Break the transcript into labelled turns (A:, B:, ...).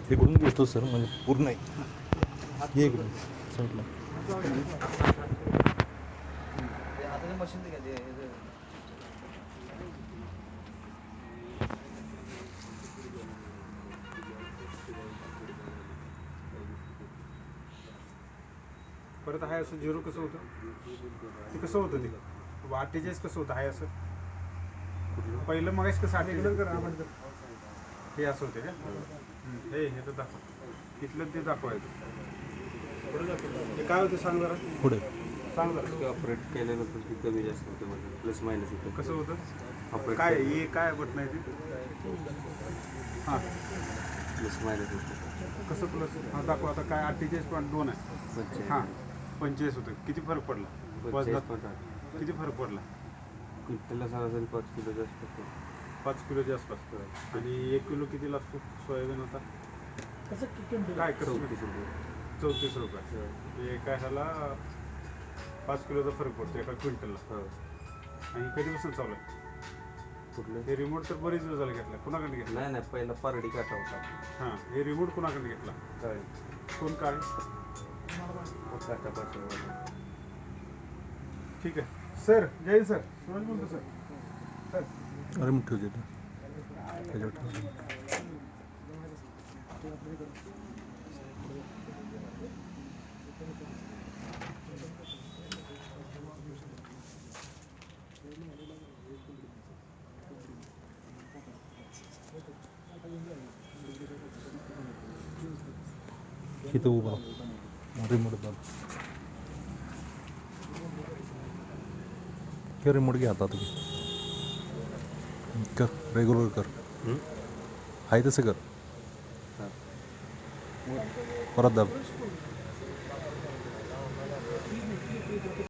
A: इकडून घेतो सर, म्हणजे पूर्ण आहे. हे इकडून साईडला.
B: परत हाय असं झिरो कसं होतं ते, कसं होतं ते 48 कसं होतं हाय असं पहिलं मग कसं 48 करा आपण हे असं होते का हे तर दाखव तिथलं ते दाखवायचं ते काय होतं सांग जरा
A: पुढे
B: सांग जरा.
C: ऑपरेट केल्यानंतर ती कमी जास्त होते म्हणजे प्लस मायनस होतं.
B: कसं होतं
C: ऑपरेट
B: काय हे काय बटन आहे ते हां
C: प्लस मायनस होतं.
B: कसं प्लस हां दाखव आता काय 48.2 आहे हां 45 होतं. किती फरक पडला वजनात? किती फरक पडला?
C: क्विंटलला सरासरी 5 किलो जास्त
B: 5 किलोच्या आसपास. आणि 1 किलो किती लागतो सोयाबीन आता? काय
C: 34 रुपये.
B: 34 रुपये. एका ह्याला 5 किलोचा फरक पडतो एका क्विंटलला. आणि कधीपासून चालू आहे
C: कुठलं
B: हे रिमोट? तर बरेच दिवस झाले घेतला. कुणाकडे घेतला?
C: नाही पहिला पारडी काटा होता.
B: हां हे रिमोट कुणाकडे घेतला?
C: काय
B: कोण काय?
C: काटा पाठवा.
B: ठीक आहे सर. जय सर. सूरज बोलतो सर. सर
A: अरे मग ठेवू देतो त्याच्यावर ठेव. इथं उभा रिमोट दाब. हे रिमोट घ्या आता तुम्ही. कर रेग्युलर कर. आहे तसं कर. परत दाब.